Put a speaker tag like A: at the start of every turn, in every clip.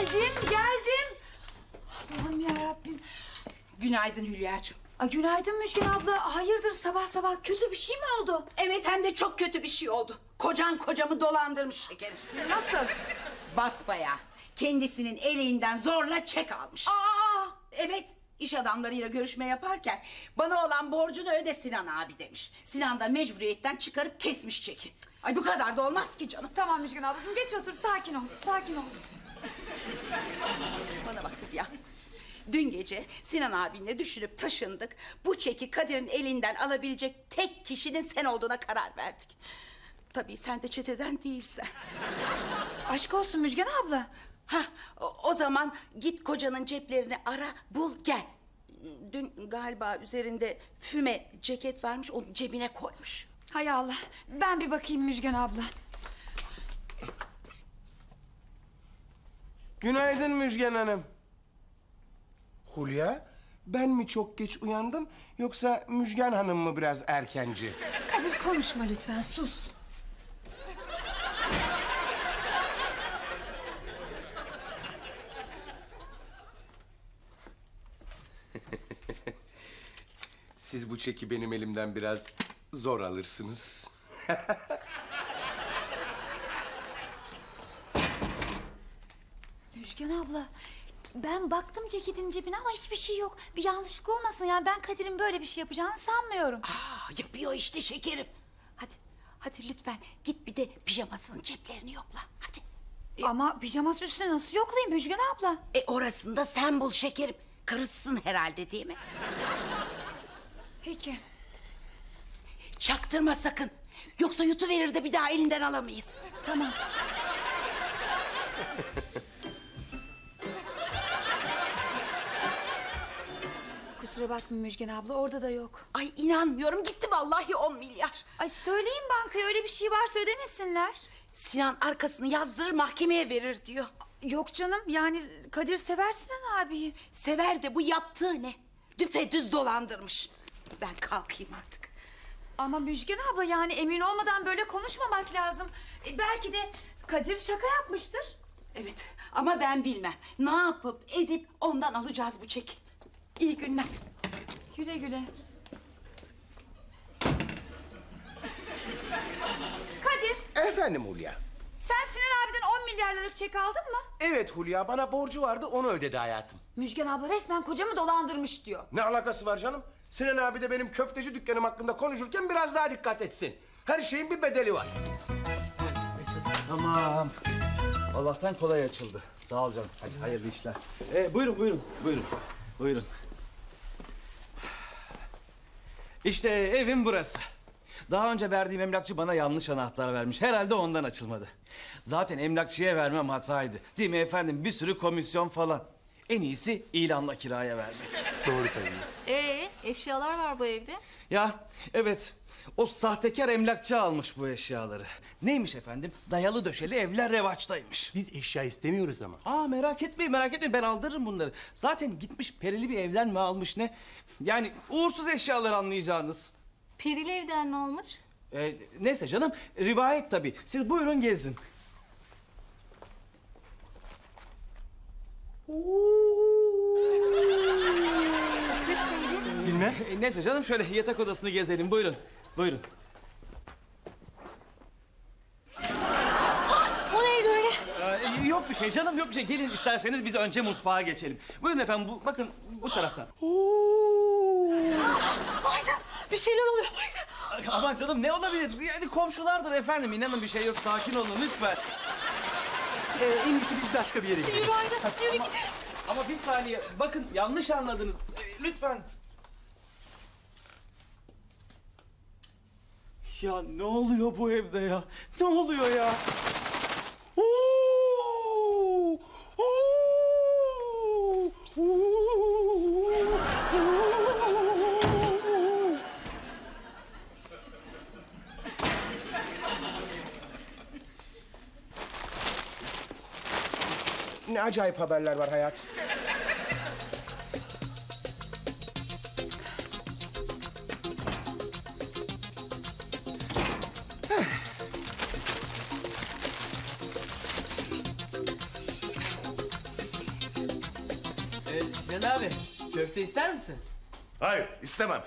A: Geldim. Allah'ım yarabbim.
B: Günaydın Hülya'cığım.
A: Günaydın Müjgan abla. Hayırdır sabah sabah kötü bir şey mi oldu?
B: Evet, hem de çok kötü bir şey oldu. Kocan kocamı dolandırmış şekerim.
A: Nasıl?
B: Basbayağı. Kendisinin elinden zorla çek almış. Evet, iş adamlarıyla görüşme yaparken bana olan borcunu öde Sinan abi demiş. Sinan da mecburiyetten çıkarıp kesmiş çeki. Ay bu kadar da olmaz ki canım.
A: Tamam Müjgan ablacığım geç otur sakin ol. Sakin ol.
B: Bana bak ya. Dün gece Sinan abinle düşünüp taşındık. Bu çeki Kadir'in elinden alabilecek tek kişinin sen olduğuna karar verdik. Tabii sen de çeteden değilsen.
A: Aşk olsun Müjgan abla.
B: O zaman git kocanın ceplerini ara, bul, gel. Dün galiba üzerinde füme ceket varmış, onu cebine koymuş.
A: Hay Allah. Ben bir bakayım Müjgan abla.
C: Günaydın Müjgan Hanım. Hulya, ben mi çok geç uyandım yoksa Müjgan Hanım mı biraz erkenci?
A: Kadir konuşma lütfen sus.
C: Siz bu çeki benim elimden biraz zor alırsınız.
A: Müjgan abla. Ben baktım ceketin cebine ama hiçbir şey yok. Bir yanlışlık olmasın yani ben Kadir'in böyle bir şey yapacağını sanmıyorum.
B: Yapıyor işte şekerim. Hadi lütfen git bir de pijamasının ceplerini yokla. Hadi.
A: Ama pijaması üstüne nasıl yoklayayım Müjgan abla?
B: Orasını da sen bul şekerim. Karışsın herhalde değil mi?
A: Peki.
B: Çaktırma sakın. Yoksa yutuverir de bir daha elinden alamayız.
A: Tamam. Kusura bakma Müjgan abla orada da yok.
B: Ay inanmıyorum, gitti vallahi 10 milyar.
A: Ay söyleyin bankaya öyle bir şey varsa ödemesinler.
B: Sinan arkasını yazdırır mahkemeye verir diyor.
A: Yok canım yani Kadir sever Sinan abiyi.
B: Sever de bu yaptığı ne? Düpedüz dolandırmış. Ben kalkayım artık.
A: Ama Müjgan abla yani emin olmadan böyle konuşmamak lazım. Belki de Kadir şaka yapmıştır.
B: Evet ama ben bilmem. Ne yapıp edip ondan alacağız bu çeki. İyi günler.
A: Güle güle. Kadir
C: Efendim Hulya.
A: sen Sinan abiden 10 milyar liralık çek aldın mı?
C: Evet Hulya, bana borcu vardı, onu ödedi hayatım.
A: Müjgan abla resmen kocamı dolandırmış diyor.
C: Ne alakası var canım? Sinan abi de benim köfteci dükkanım hakkında konuşurken biraz daha dikkat etsin. Her şeyin bir bedeli var.
D: Tamam. Allah'tan kolay açıldı. Sağ ol canım. Hadi hayırlı işler. Buyurun. İşte evim burası. Daha önce verdiğim emlakçı bana yanlış anahtar vermiş. Herhalde ondan açılmadı. Zaten emlakçıya vermem hataydı. Değil mi efendim? Bir sürü komisyon falan. En iyisi ilanla kiraya vermek.
C: Doğru tabii.
E: Eşyalar var bu evde.
D: Ya evet. O sahtekar emlakçı almış bu eşyaları. Neymiş efendim? Dayalı döşeli evler revaçtaymış.
C: Biz eşya istemiyoruz ama.
D: Merak etmeyin ben aldırırım bunları. Zaten gitmiş perili bir evden mi almış ne? Yani uğursuz eşyalar anlayacağınız.
E: Perili evden ne olmuş?
D: Neyse canım rivayet tabii. Siz buyurun gezin.
E: Ses neydi?
C: Bilmem.
D: Neyse canım şöyle yatak odasını gezelim buyurun. Buyurun.
E: O neydi öyle?
D: Yok bir şey canım yok bir şey. Gelin isterseniz biz önce mutfağa geçelim. Buyurun efendim bakın bu taraftan.
E: Aydın bir şeyler oluyor Aydın.
D: Aman canım ne olabilir? Yani komşulardır efendim. İnanın bir şey yok. Sakin olun lütfen.
C: En iyisi biz başka bir yere gidelim.
E: Yürü Aydın yürü gidelim.
D: Ama bir saniye. Bakın yanlış anladınız. Lütfen. Ya ne oluyor bu evde ya? Ne oluyor ya?
C: Ne acayip haberler var hayatım.
F: Sinan abi, köfte ister misin?
C: Hayır, istemem.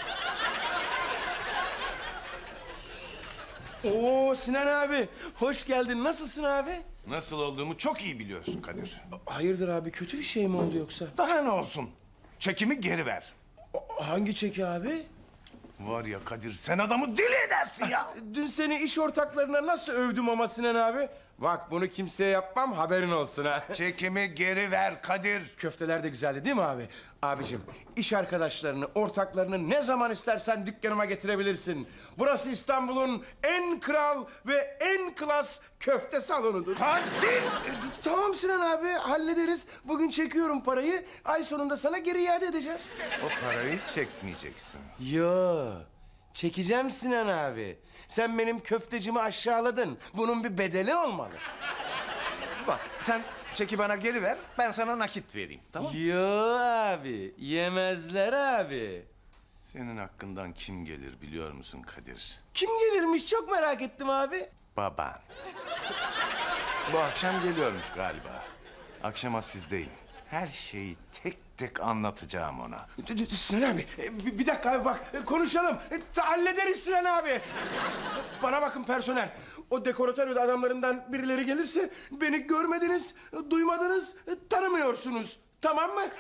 C: Oo Sinan abi, hoş geldin. Nasılsın abi?
G: Nasıl olduğumu çok iyi biliyorsun Kadir.
C: Hayırdır abi, kötü bir şey mi oldu yoksa?
G: Daha ne olsun? Çekimi geri ver.
C: Hangi çeki abi?
G: Var ya Kadir, sen adamı deli edersin ya.
C: Dün seni iş ortaklarına nasıl övdüm ama Sinan abi? Bak bunu kimseye yapmam, haberin olsun ha.
G: Çekimi geri ver Kadir.
C: Köfteler de güzeldi değil mi abi? Abicim, iş arkadaşlarını, ortaklarını ne zaman istersen dükkanıma getirebilirsin. Burası İstanbul'un en kral ve en klas köfte salonudur.
G: Kadir!
C: Tamam Sinan abi, hallederiz. Bugün çekiyorum parayı, ay sonunda sana geri iade edeceğim.
G: O parayı çekmeyeceksin.
C: Yo, çekeceğim Sinan abi. Sen benim köftecimi aşağıladın. Bunun bir bedeli olmalı.
G: Bak sen çeki bana geri ver, ben sana nakit vereyim, tamam mı?
C: Yo abi, yemezler abi.
G: Senin hakkından kim gelir biliyor musun Kadir?
C: Kim gelirmiş çok merak ettim abi.
G: Baban. Bu akşam geliyormuş galiba. Akşama sizdeyim. Her şeyi tek tek anlatacağım ona.
C: Sinan abi, bir dakika abi bak, konuşalım. Hallederiz Sinan abi. Bana bakın personel. O dekoratör adamlarından birileri gelirse beni görmediniz, duymadınız, tanımıyorsunuz. Tamam mı?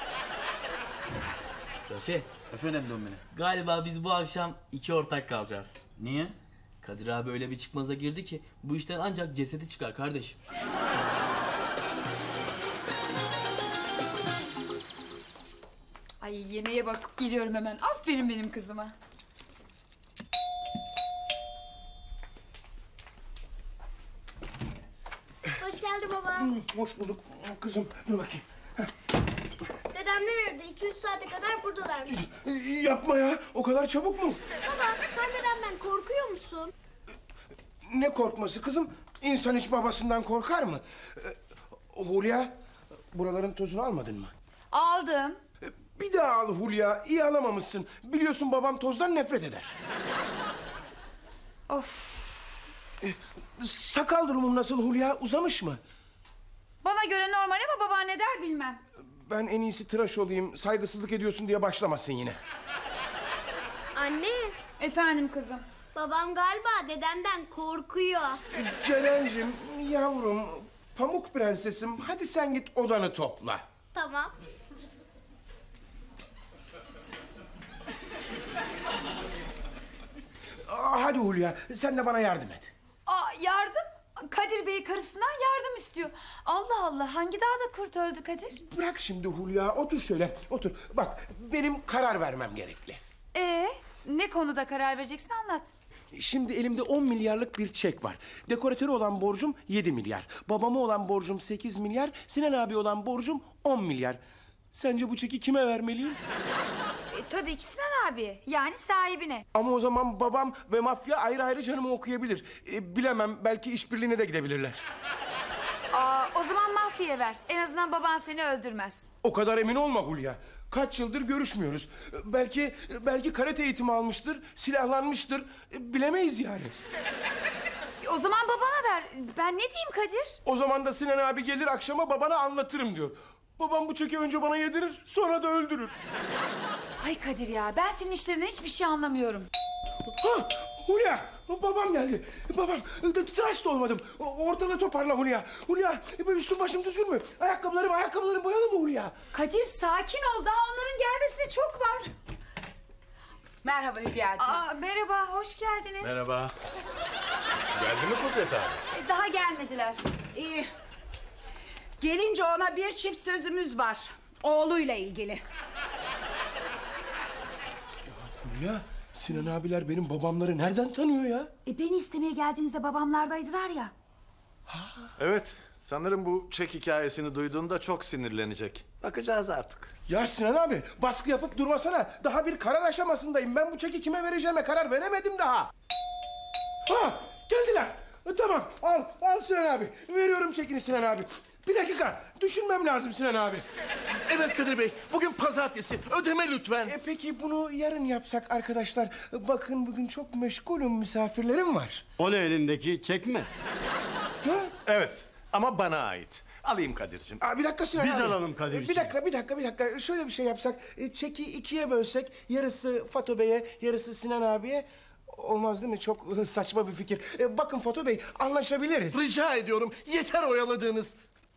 F: Rafi.
H: Efendim Domine.
F: Galiba biz bu akşam 2 ortak kalacağız.
H: Niye?
F: Kadir abi öyle bir çıkmaza girdi ki bu işten ancak cesedi çıkar kardeşim.
A: Ay yemeğe bakıp geliyorum hemen. Aferin benim kızıma.
I: Hoş geldin baba.
C: Hoş bulduk kızım. Dur bakayım.
I: Dedemler evde 2-3 saate kadar buradalarmış.
C: Yapma ya. O kadar çabuk mu?
I: Baba sen dedemden korkuyor musun?
C: Ne korkması kızım? İnsan hiç babasından korkar mı? Hulya, buraların tozunu almadın mı?
A: Aldım.
C: Bir daha al Hulya. İyi alamamışsın. Biliyorsun babam tozdan nefret eder.
A: Of.
C: Sakal durumum nasıl Hulya? Uzamış mı?
A: Bana göre normal ama baba ne der bilmem.
C: Ben en iyisi tıraş olayım. Saygısızlık ediyorsun diye başlamasın yine.
I: Anne
A: Efendim kızım.
I: babam galiba dedemden korkuyor.
C: Ceren'cim, yavrum, pamuk prensesim. Hadi sen git odanı topla.
I: Tamam.
C: Hadi Hulya, sen de bana yardım et.
A: Aa, yardım? Kadir Bey karısından yardım istiyor. Allah Allah, hangi dağda kurt öldü Kadir?
C: Bırak şimdi Hulya, otur şöyle, otur. Bak, benim karar vermem gerekli.
A: Ne konuda karar vereceksin anlat.
C: Şimdi elimde 10 milyarlık bir çek var. Dekoratörü olan borcum 7 milyar. Babama olan borcum 8 milyar. Sinan abi olan borcum 10 milyar. Sence bu çeki kime vermeliyim?
A: Tabii ki Sinan abi, yani sahibine.
C: Ama o zaman babam ve mafya ayrı ayrı canımı okuyabilir. Bilemem, belki işbirliğine de gidebilirler.
A: O zaman mafyaya ver. En azından baban seni öldürmez.
C: O kadar emin olma Hulya. Kaç yıldır görüşmüyoruz. Belki karate eğitimi almıştır, silahlanmıştır. Bilemeyiz yani.
A: O zaman babana ver. Ben ne diyeyim Kadir?
C: O zaman da Sinan abi gelir akşama babana anlatırım diyor. Babam bu çeki önce bana yedirir, sonra da öldürür.
A: Ay Kadir ya, ben senin işlerinden hiçbir şey anlamıyorum.
C: Ha, Hulya, babam geldi. Babam, tıraş da olmadım. Ortalığı toparla Hulya. Hulya, üstüm başım düzgün mü? Ayakkabılarım boyalı mı Hulya?
A: Kadir sakin ol, daha onların gelmesine çok var.
B: Merhaba Hülya'cığım.
A: Merhaba, hoş geldiniz.
G: Merhaba. Geldi mi Kudret abi?
A: Daha gelmediler.
B: İyi. Gelince ona bir çift sözümüz var. Oğluyla ilgili.
C: Hulya, Sinan abiler benim babamları nereden tanıyor ya?
A: Beni istemeye geldiğinizde babamlardaydılar ya.
J: Evet, sanırım bu çek hikayesini duyduğunda çok sinirlenecek. Bakacağız artık.
C: Ya Sinan abi, baskı yapıp durmasana. Daha bir karar aşamasındayım. Ben bu çeki kime vereceğime karar veremedim daha. Ha, geldiler. Tamam, al Sinan abi. Veriyorum çekini Sinan abi. Bir dakika, düşünmem lazım Sinan abi.
H: Evet Kadir Bey, bugün pazartesi. Ödeme lütfen.
C: Peki bunu yarın yapsak arkadaşlar? Bakın bugün çok meşgulüm, misafirlerim var.
H: O ne elindeki, çek mi?
C: Ha?
G: Evet ama bana ait. Alayım Kadir'cim.
C: Bir dakika Sinan
K: Biz
C: abi.
K: alalım Kadir'ciğim.
C: Bir dakika. Şöyle bir şey yapsak. Çeki ikiye bölsek. Yarısı Fato Bey'e, yarısı Sinan abiye. Olmaz değil mi? Çok saçma bir fikir. Bakın Fato Bey, anlaşabiliriz.
H: Rica ediyorum. Yeter oyaladığınız.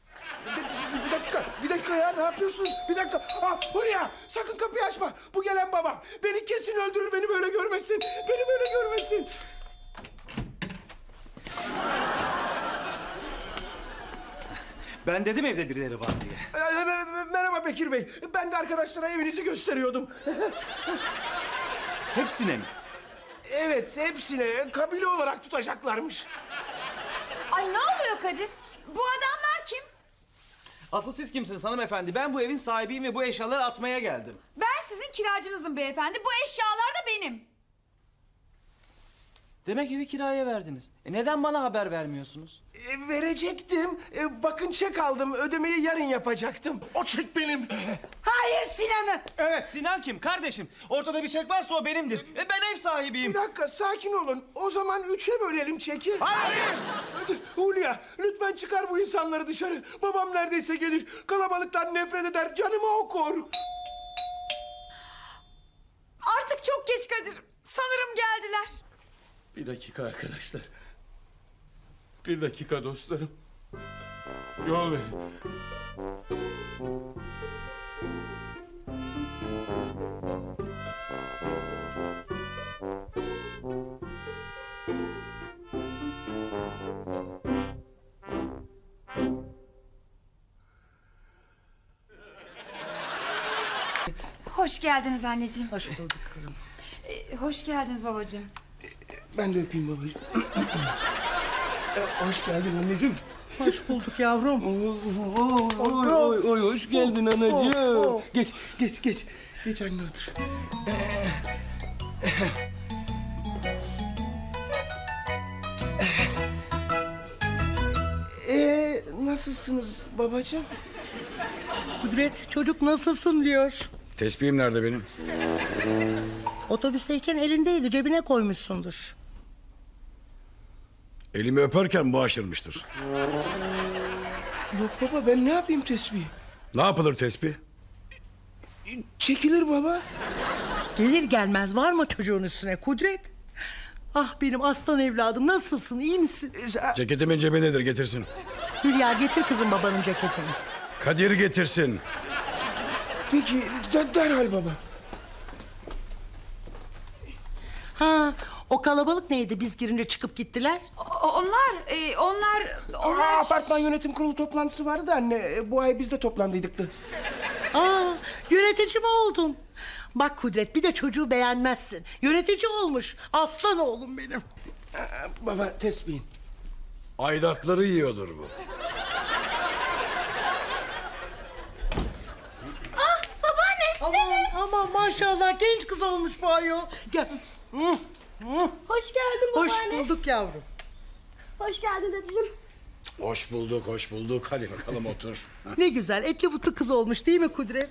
C: Bir dakika ya, ne yapıyorsunuz? Bir dakika. Hulya, sakın kapıyı açma. Bu gelen babam. Beni kesin öldürür, beni böyle görmesin. Beni böyle görmesin.
D: Ben dedim evde birileri var diye.
C: Merhaba Bekir Bey. Ben de arkadaşlara evinizi gösteriyordum.
D: Hepsine mi?
C: Evet, hepsine kabile olarak tutacaklarmış.
A: Ay ne oluyor Kadir? Bu adamlar kim?
D: Asıl siz kimsiniz hanımefendi? Ben bu evin sahibiyim ve bu eşyaları atmaya geldim.
A: Ben sizin kiracınızım beyefendi. Bu eşyalar da benim.
D: Demek evi kiraya verdiniz. Neden bana haber vermiyorsunuz?
C: Verecektim. Bakın çek aldım. Ödemeyi yarın yapacaktım.
H: O çek benim.
B: Hayır Sinan'ı.
D: Evet, Sinan kim? Kardeşim. Ortada bir çek varsa o benimdir. Ben ev sahibiyim.
C: Bir dakika, sakin olun. O zaman 3'e bölelim çeki.
D: Hayır!
C: Hulya, lütfen çıkar bu insanları dışarı. Babam neredeyse gelir. Kalabalıktan nefret eder, canımı okur.
A: Artık çok geç Kadir. Sanırım geldiler.
C: Bir dakika arkadaşlar. Bir dakika dostlarım. Yol verin.
A: Hoş geldiniz anneciğim.
B: Hoş bulduk kızım.
A: Hoş geldiniz babacığım.
C: Ben de öpeyim babacığım. Hoş geldin anneciğim.
K: Hoş bulduk yavrum.
C: Oy, hoş geldin anacığım. Geç. Geç anne otur. Nasılsınız babacığım?
K: Kudret çocuk nasılsın diyor.
L: Tespihim nerede benim?
K: Otobüsteyken elindeydi, cebine koymuşsundur.
L: Elimi öperken bu aşırmıştır.
C: Yok baba, ben ne yapayım tesbih?
L: Ne yapılır tespih?
C: Çekilir baba.
K: Gelir gelmez var mı çocuğun üstüne Kudret? Ah benim aslan evladım, nasılsın, iyi misin?
L: Ceketimin cebindedir, getirsin.
K: Hülya getir kızım babanın ceketini.
L: Kadir getirsin.
C: Peki, derhal baba.
K: Ha, o kalabalık neydi biz girince çıkıp gittiler?
A: Onlar...
C: Apartman yönetim kurulu toplantısı vardı da anne. Bu ay biz de toplandıydık da.
K: Yönetici mi oldun? Bak Kudret, bir de çocuğu beğenmezsin. Yönetici olmuş, aslan oğlum benim.
C: Baba, tesbihin.
L: Aidatları yiyordur bu.
K: Aman maşallah, genç kız olmuş bu ayol. Gel.
I: Hoş geldin
K: Hoş
I: babaanne.
K: bulduk yavrum.
I: Hoş geldin dedeciğim.
L: Hoş bulduk. Hadi bakalım otur.
K: Ne güzel, etli butlu kız olmuş değil mi Kudret?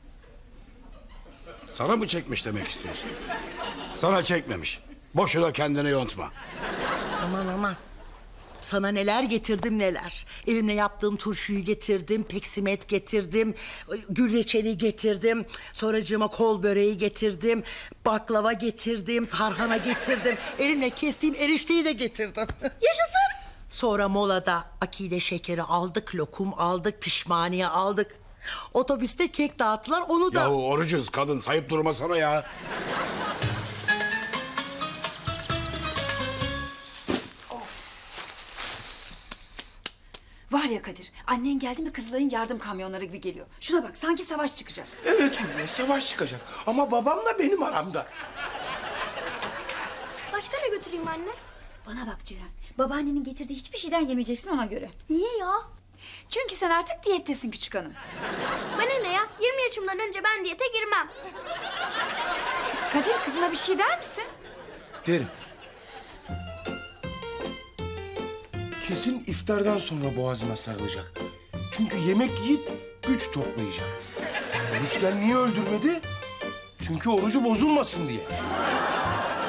L: Sana mı çekmiş demek istiyorsun? Sana çekmemiş. Boşuna kendini yontma.
K: Aman. Sana neler getirdim neler. Elimle yaptığım turşuyu getirdim, peksimet getirdim, gül reçeli getirdim. Sonracığıma kol böreği getirdim, baklava getirdim, tarhana getirdim. Elimle kestiğim erişteyi de getirdim.
I: Yaşasın.
K: Sonra molada akide şekeri aldık, lokum aldık, pişmaniye aldık. Otobüste kek dağıttılar, onu da...
L: Yahu orucuz, kadın sayıp durmasana ya.
A: Var ya Kadir, annen geldi mi kızların yardım kamyonları gibi geliyor. Şuna bak, sanki savaş çıkacak.
C: Evet Hulya, savaş çıkacak. Ama babamla benim aramda.
I: Başka ne götüreyim anne?
A: Bana bak Ceren, babaannenin getirdiği hiçbir şeyden yemeyeceksin ona göre.
I: Niye ya?
A: Çünkü sen artık diyettesin küçük hanım.
I: Bana ne ya? 20 yaşımdan önce ben diyete girmem.
A: Kadir, kızına bir şey der misin?
C: Derim. Kesin iftardan sonra boğazıma sarılacak. Çünkü yemek yiyip güç toplayacak. Oruçken niye öldürmedi? Çünkü orucu bozulmasın diye.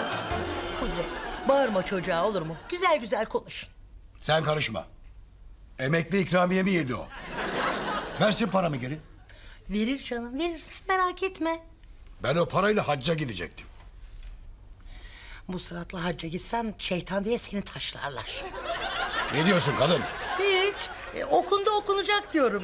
K: Kudret, bağırma çocuğa olur mu? Güzel güzel konuşun.
L: Sen karışma. Emekli ikramiyemi yedi o. Versin paramı geri.
K: Verir canım, verir, sen merak etme.
L: Ben o parayla hacca gidecektim.
K: Bu sıratla hacca gitsen şeytan diye seni taşlarlar.
L: Ne diyorsun kadın?
K: Hiç. Okundu okunacak diyorum.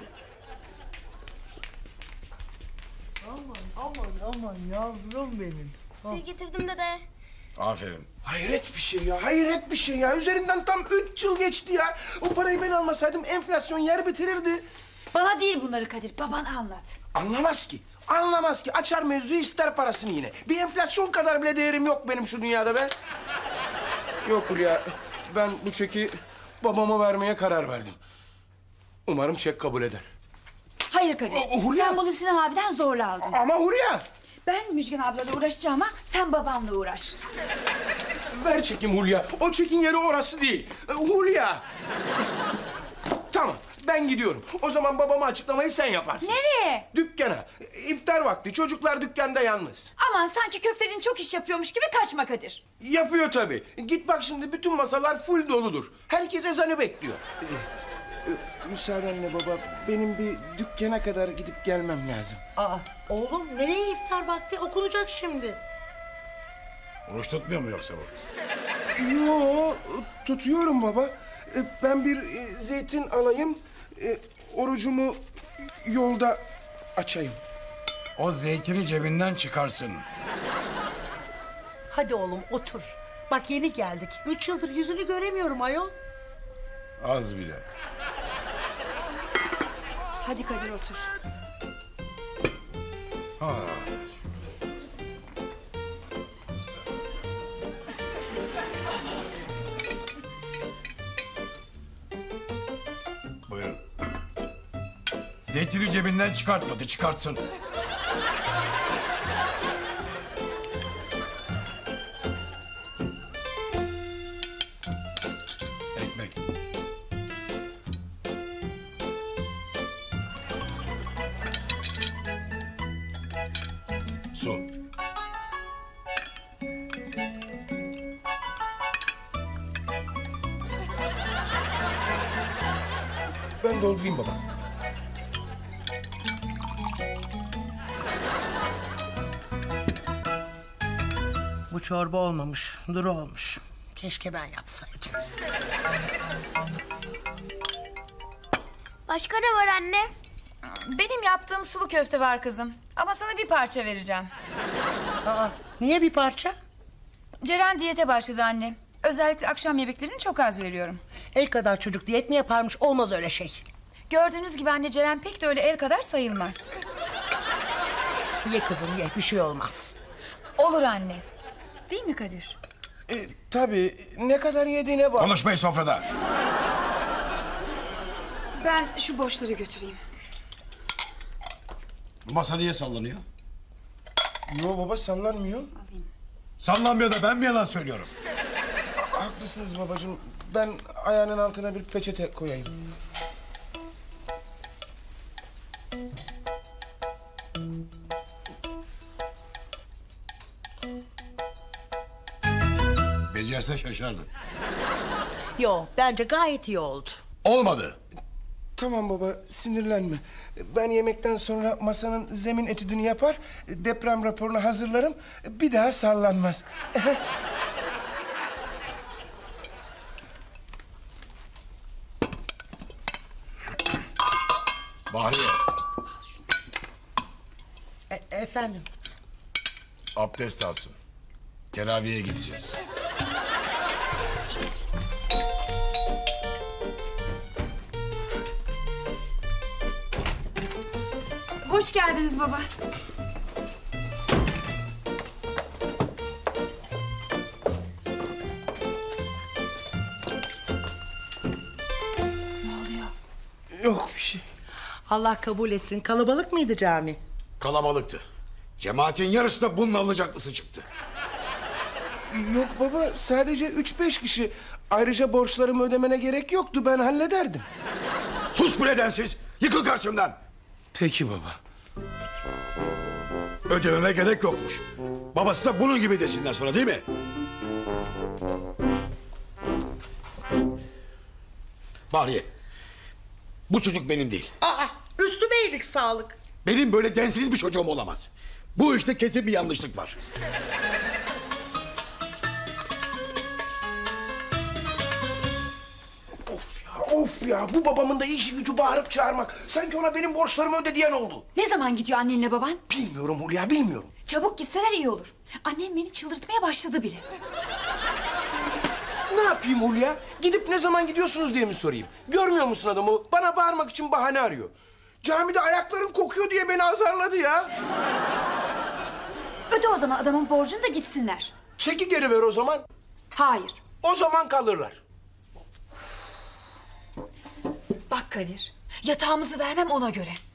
K: Aman yavrum benim.
I: Suyu getirdim dede.
L: Aferin.
C: Hayret bir şey ya, hayret bir şey ya. Üzerinden tam 3 yıl geçti ya. O parayı ben almasaydım enflasyon yer bitirirdi.
A: Bana değil bunları Kadir, baban anlat.
C: Anlamaz ki. Anlamaz ki. Açar mevzuyu ister parasını yine. Bir enflasyon kadar bile değerim yok benim şu dünyada be. Yok Hulya. Ben bu çeki babama vermeye karar verdim. Umarım çek kabul eder.
A: Hayır Kadir,
C: Hulya.
A: sen bunu Sinan abiden zorla aldın.
C: Ama Hulya.
A: Ben Müjgan ablayla uğraşacağım ama sen babanla uğraş.
C: Ver çekim Hulya. O çekin yeri orası değil. Hulya. Tamam. Ben gidiyorum. O zaman babama açıklamayı sen yaparsın.
A: Nereye?
C: Dükkana. İftar vakti. Çocuklar dükkanda yalnız.
A: Aman sanki köftecin çok iş yapıyormuş gibi kaçma Kadir.
C: Yapıyor tabii. Git bak şimdi bütün masalar full doludur. Herkes ezanı bekliyor. Müsaadenle baba. Benim bir dükkana kadar gidip gelmem lazım.
K: Aa, oğlum nereye iftar vakti, okunacak şimdi.
L: Oruç tutmuyor mu yoksa bu?
C: Yo, tutuyorum baba. Ben bir zeytin alayım. Orucumu yolda açayım.
L: O zeytini cebinden çıkarsın.
K: Hadi oğlum otur. Bak yeni geldik. 3 yıldır yüzünü göremiyorum ayol.
L: Az bile.
A: Hadi Kadir otur.
L: Ha. Buyurun. Zeytini cebinden çıkartmadı, çıkartsın. Ekmek. Su.
C: Ben doldurayım baba.
K: Bu çorba olmamış, duru olmuş. Keşke ben yapsaydım.
I: Başka ne var anne?
A: Benim yaptığım sulu köfte var kızım. Ama sana bir parça vereceğim.
K: Aa, niye bir parça?
A: Ceren diyete başladı anne. Özellikle akşam yemeklerini çok az veriyorum.
K: El kadar çocuk diyet mi yaparmış? Olmaz öyle şey.
A: Gördüğünüz gibi anne Ceren pek de öyle el kadar sayılmaz.
K: Ye kızım ye, bir şey olmaz.
A: Olur anne. Değil mi Kadir?
C: Tabii. Ne kadar yediğine bak.
L: Konuşmayın sofrada.
A: Ben şu boşları götüreyim.
L: Bu masa niye sallanıyor?
C: Yo baba sallanmıyor.
L: Sallanmıyor da ben mi yalan söylüyorum?
C: Haklısınız babacığım. Ben ayağının altına bir peçete koyayım.
L: Becerse şaşardın.
K: Yo, bence gayet iyi oldu.
L: Olmadı.
C: Tamam baba sinirlenme. Ben yemekten sonra masanın zemin etüdünü yapar, deprem raporunu hazırlarım. Bir daha sallanmaz.
L: Bahriye,
K: Efendim?
L: abdest alsın. Teraviye gideceğiz.
A: Hoş geldiniz baba.
C: Yok bir şey.
K: Allah kabul etsin. Kalabalık mıydı cami?
L: Kalabalıktı. Cemaatin yarısı da bunun alacaklısı çıktı.
C: Yok baba sadece 3-5 kişi. Ayrıca borçlarımı ödemene gerek yoktu. Ben hallederdim.
L: Sus bu nedensiz. Yıkıl karşımdan.
C: Peki baba.
L: Ödememe gerek yokmuş. Babası da bunun gibi desinler sonra değil mi? Bahriye, Bu çocuk benim değil.
K: Aa, üstüme iyilik sağlık.
L: Benim böyle densiz bir çocuğum olamaz. Bu işte kesin bir yanlışlık var.
C: Of ya, bu babamın da işi gücü bağırıp çağırmak. Sanki ona benim borçlarımı öde diyen oldu.
A: Ne zaman gidiyor annenle baban?
C: Bilmiyorum Hulya, bilmiyorum.
A: Çabuk gitseler iyi olur. Annem beni çıldırtmaya başladı bile.
C: Ne yapayım Hulya? Gidip ne zaman gidiyorsunuz diye mi sorayım? Görmüyor musun adamı? Bana bağırmak için bahane arıyor. Camide ayakların kokuyor diye beni azarladı ya.
A: Öde o zaman adamın borcunu da gitsinler.
C: Çeki geri ver o zaman.
A: Hayır.
C: O zaman kalırlar.
A: Bak Kadir, yatağımızı vermem ona göre.